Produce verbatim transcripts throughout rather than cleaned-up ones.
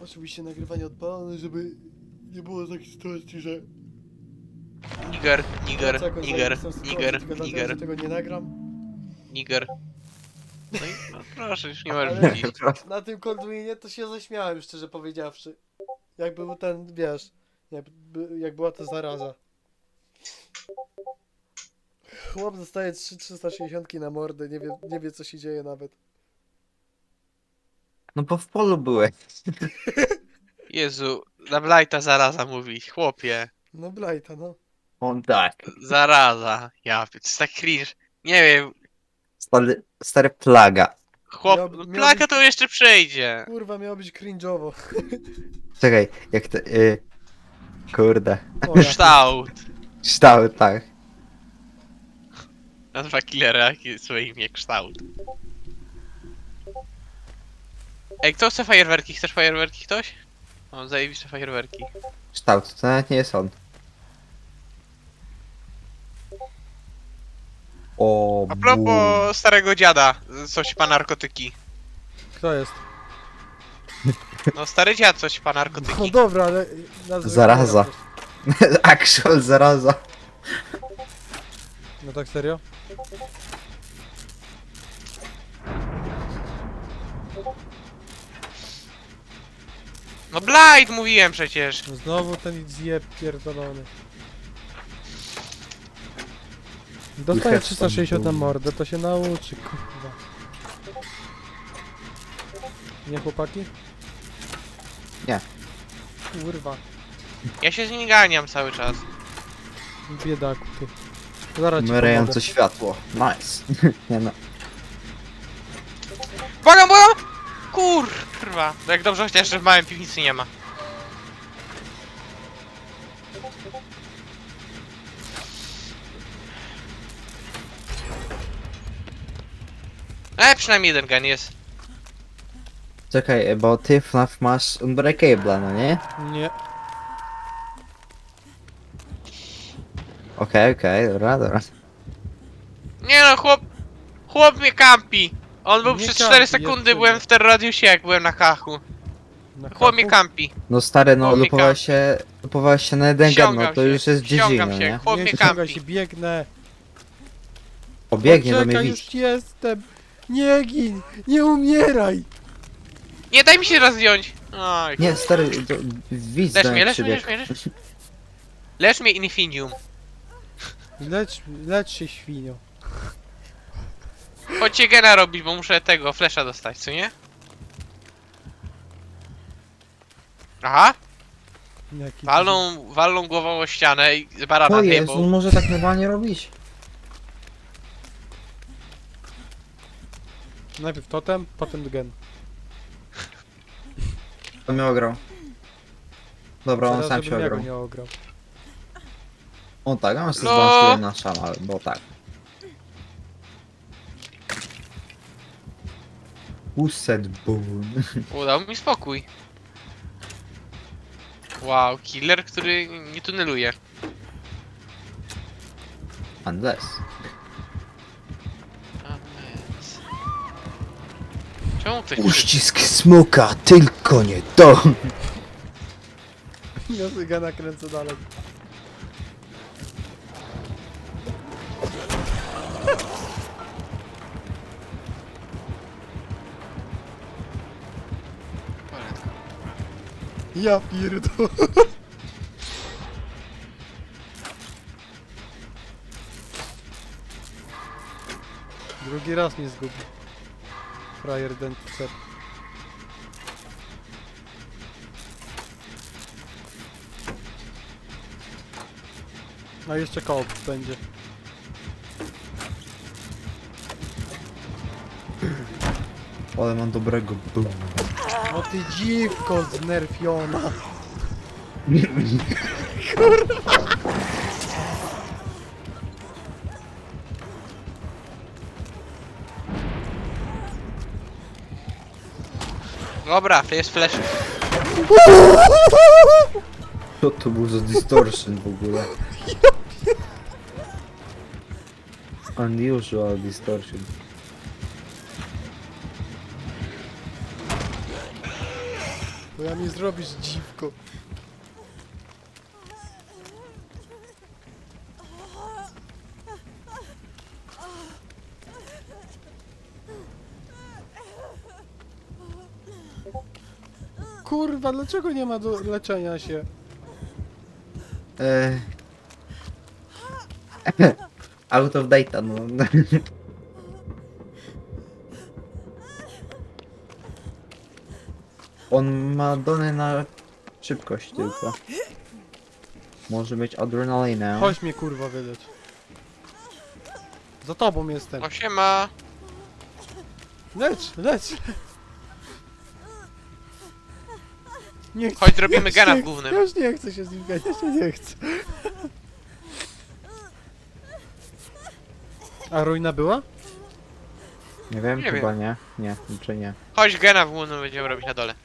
Oczywiście nagrywanie odpalone, żeby nie było takiej sytuacji, że... Niger, niger, wraca jakąś niger, zajebistą sytuację, niger, tylko dlatego, niger, że tego nie nagram. niger. No i no, proszę, już nie możesz Ale widzieć. na tym Colduinie to się zaśmiałem, szczerze powiedziawszy. Jak był ten, wiesz, jak, by- jak była ta zaraza. Chłop dostaje trzy trzysta sześćdziesiąt na mordę, nie wie, nie wie co się dzieje nawet. No bo w polu byłeś. Jezu, na Blighta zaraza mówić, chłopie. No Blighta, no. On tak. Zaraza. Ja, to jest tak cringe. Nie wiem, Stary, stary plaga. chłop, Miał- no, miał plaka być- to jeszcze przejdzie. Kurwa, miało być cringe'owo. Czekaj, jak to... Y... Kurde. O, ja. Kształt. Kształt, tak. Nazwa killera, jakie swoje imię, kształt. Ej, kto chce fajerwerki? Chcesz fajerwerki ktoś? Mam zajebiste fajerwerki. Kształt, to nawet nie jest on. O, A bum. propos starego dziada, coś pa narkotyki. Kto jest? No stary dziad coś pa No narkotyki. dobra, ale... nazwę Zaraza. killera też. Actual zaraza. No tak serio? No Blight mówiłem przecież. No znowu ten zjeb pierdolony. Dostaje have trzysta sześćdziesiąt na some mordę, to się nauczy, kurwa. Nie chłopaki? Nie. Kurwa, Ja się z nim ganiam cały czas. biedaku ty. Zaraz ci Mrające pomogę. światło. Nice. Nie no. Błagam, błagam! Kurwa. No jak dobrze chociaż, że w małym piwnicy nie ma. E, przynajmniej jeden gun jest. Czekaj, bo ty F N A F masz Unbreakable, no nie? Nie. Okej, okej, dobra, dobra. Nie no, chłop... Chłop mnie kampi. On był Nie przez kampi, cztery jest sekundy, przy byłem mnie. w terradiusie, jak byłem na kachu. Na Chłop mnie kafu? kampi. No stary, no Chłop mnie lupowałeś kampi. się, lupowałeś się na jeden gun, Ściągam no to się, już jest ściągam dziedzina, się. nie? Chłop Nie mnie ściągaj kampi. się, biegnę. Obiegnie do mnie Poczekaj, widz. już jestem. Nie gin, nie umieraj. Nie, daj mi się raz zdjąć. Oj. Nie, stary, to widz Lecz do mnie, mnie lecz mnie, lecz przybiegł. mnie, lecz mnie. Lecz mnie Infinium. Lecz, lecz się świnio. Chodźcie gena robić, bo muszę tego, flesza dostać, co nie? Aha, Jaki walną, walną głową o ścianę i z barana To jest, zjebą. on może tak normalnie robić. Najpierw totem, potem gen. On mnie ograł. Dobra, on Teraz, sam się żebym ja go ograł. nie ograł. On tak, a on się No. zbalansuje na szama, bo tak. Who said boom? Udał mi spokój. Wow, killer, który nie tuneluje. Unless. A, więc- Czemu ktoś... Uścisk smoka, tylko nie to! Ja sobie gena kręcę dalej. Ja pierdolę. Drugi raz mnie zgubi. Frajer den cep. A jeszcze koop będzie. Ale mam dobrego boom. O ty dziwko znerfiona. Dobra, to jest flash. Co to był za distortion w ogóle? Unusual distortion. Bo ja mi zrobisz dziwko. Kurwa, dlaczego nie ma do leczenia się? Eee... Out of data, no. On ma dane na szybkość tylko. Może mieć adrenalinę. Chodź mnie kurwa wydać. Za tobą jestem. O siema. Lecz, lecz. Nie chcę. Chodź, zrobimy Ja już gena nie- w głównym. Ja już nie chcę się z nim ganiać, ja nie chcę. A ruina była? Nie wiem, Nie chyba nie. Nie, czy nie. Chodź, gena w głównym będziemy robić na dole.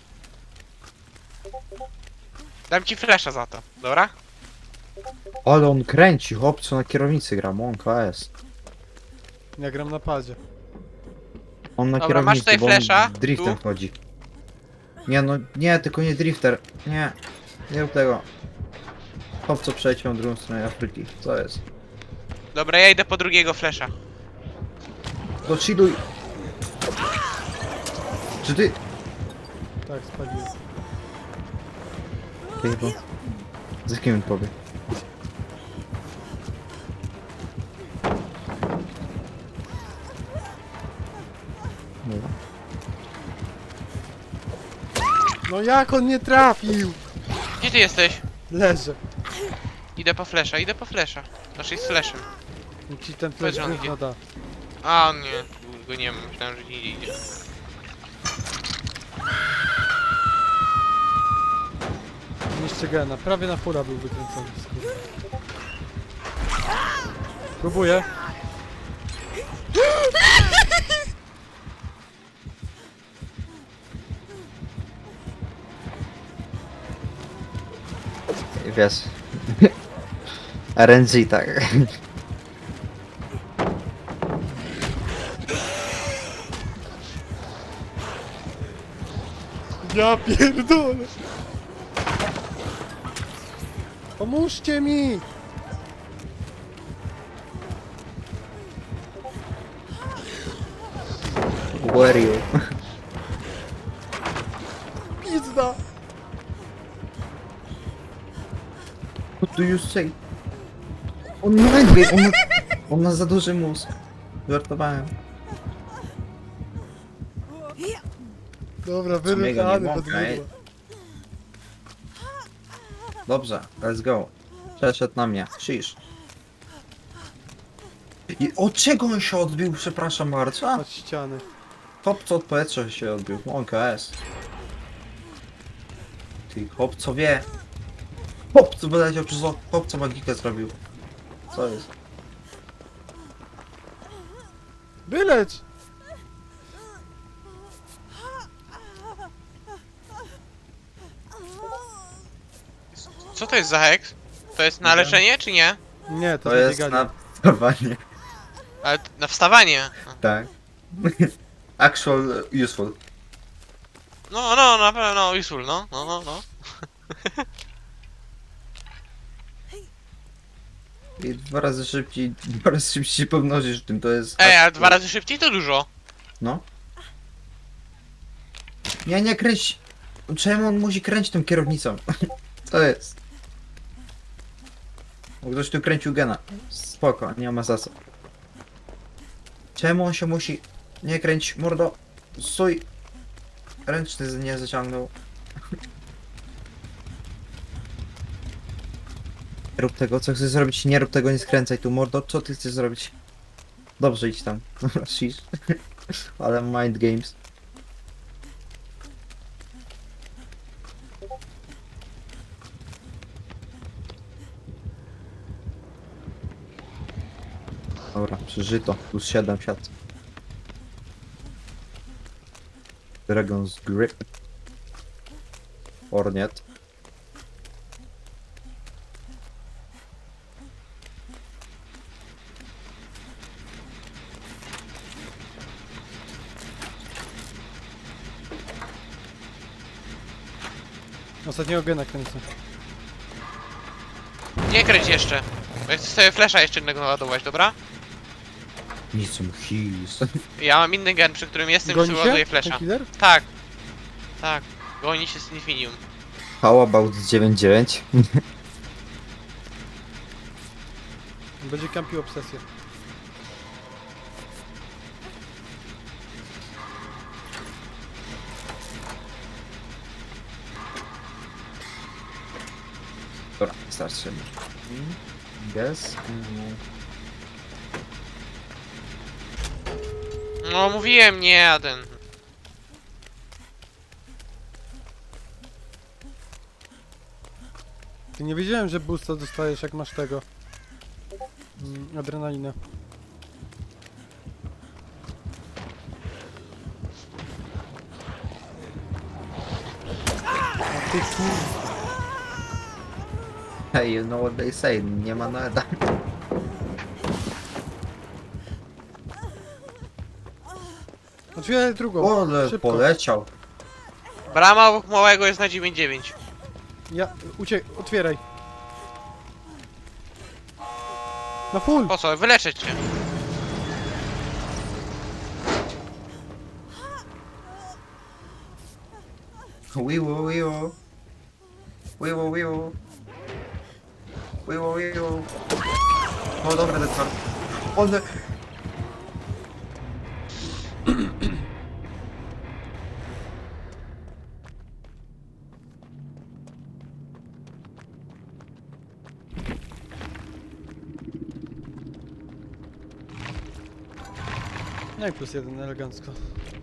Dam ci flasha za to, dobra? Ale on kręci, chłopcu na kierownicy gra, on K S. Ja gram na padzie. On na Dobra, masz kierownicy, tutaj bo on flasha? driftem Tu? chodzi. Nie no, nie, tylko nie drifter. Nie, nie rób tego. Chłopco przeleciał na drugą stronę Afryki, co jest? Dobra, ja idę po drugiego flasha. To chilluj! Czy ty... Tak, spaliłem. Ty, bo... Z kim on powie? Dobra. No jak on nie trafił? Gdzie ty jesteś? Leżę. Idę po flasha, idę po flasha. Znaczy z flashem. Niech ci ten Powiedz, flash że on gówno da. A, on nie, go nie ma, myślałem, że nie idzie. Niszczy gena. Prawie na fura był wykręcony. skurwa. Próbuję. Wiesz. R N G, tak. Ja pierdolę. Pomóżcie mi! Where you? Pizda! What do you say? On ma najpierw, on ma, on ma za duży mózg. Żartowałem. Dobra, Co mega nie wyruchany pod mogę, ej. mydło. Dobrze, let's go. Przeszedł na mnie. Shish. I od czego on się odbił? Przepraszam bardzo. Od ściany. Top co od powietrza się odbił. On K S. Ty chłop co wie. Chłop co wyleciał przez okno. Chłop co magikę zrobił. Co jest? Wylecz! Co to jest za heks? To jest na Nie wiem. leczenie, czy nie? Nie, to, To jest zabieganie. na wstawanie. Ale t- na wstawanie. Tak. Actual useful. No, no, na pewno, no, useful, no, no, no, no. I dwa razy szybciej, dwa razy szybciej się pomnożysz tym, to jest... Ej, a dwa razy szybciej to dużo. No. Nie, nie kręć. Czemu on musi kręcić tą kierownicą? Co jest? Bo ktoś tu kręcił gena. Spoko, nie ma za co. Czemu on się musi... Nie kręć, mordo. Stój. Ręczny z- nie zaciągnął. Nie rób tego, co chcesz zrobić, nie rób tego, nie skręcaj tu, mordo. Co ty chcesz zrobić? Dobrze, idź tam. Shish. Ale mind games. Dobra, przeżyto. Plus siedem siat. Dragon's Grip. Orniet. Ostatniego gena kręcę. Nie kręć jeszcze. Bo ja chcę sobie flesza jeszcze innego naładować, dobra? Nic mu his. Ja mam inny gen, przy którym jestem i Goni sobie się? ładuję Ten flesza. killer? Tak. Tak. Goni się z Infinium. How about dziewięć dziewięć? Będzie kampił obsesję. Dobra, starczy. Guess? No mówiłem, nie, a ten... Ty nie wiedziałem, że boosta dostajesz jak masz tego. Mm, adrenalinę. A ty kur... Hey, you know what they say, nie ma nada. Otwieraj drugą. Ale Szybko. poleciał. Brama obok małego jest na dziewięć dziewięć. Ja... Uciek... Otwieraj. Na full! Po co? Wyleczę cię. Wiwo, wiwo. Wiwo, wiwo. Wiwo, wiwo. O, dobra, ten twar. One... No i plus jeden, elegancko.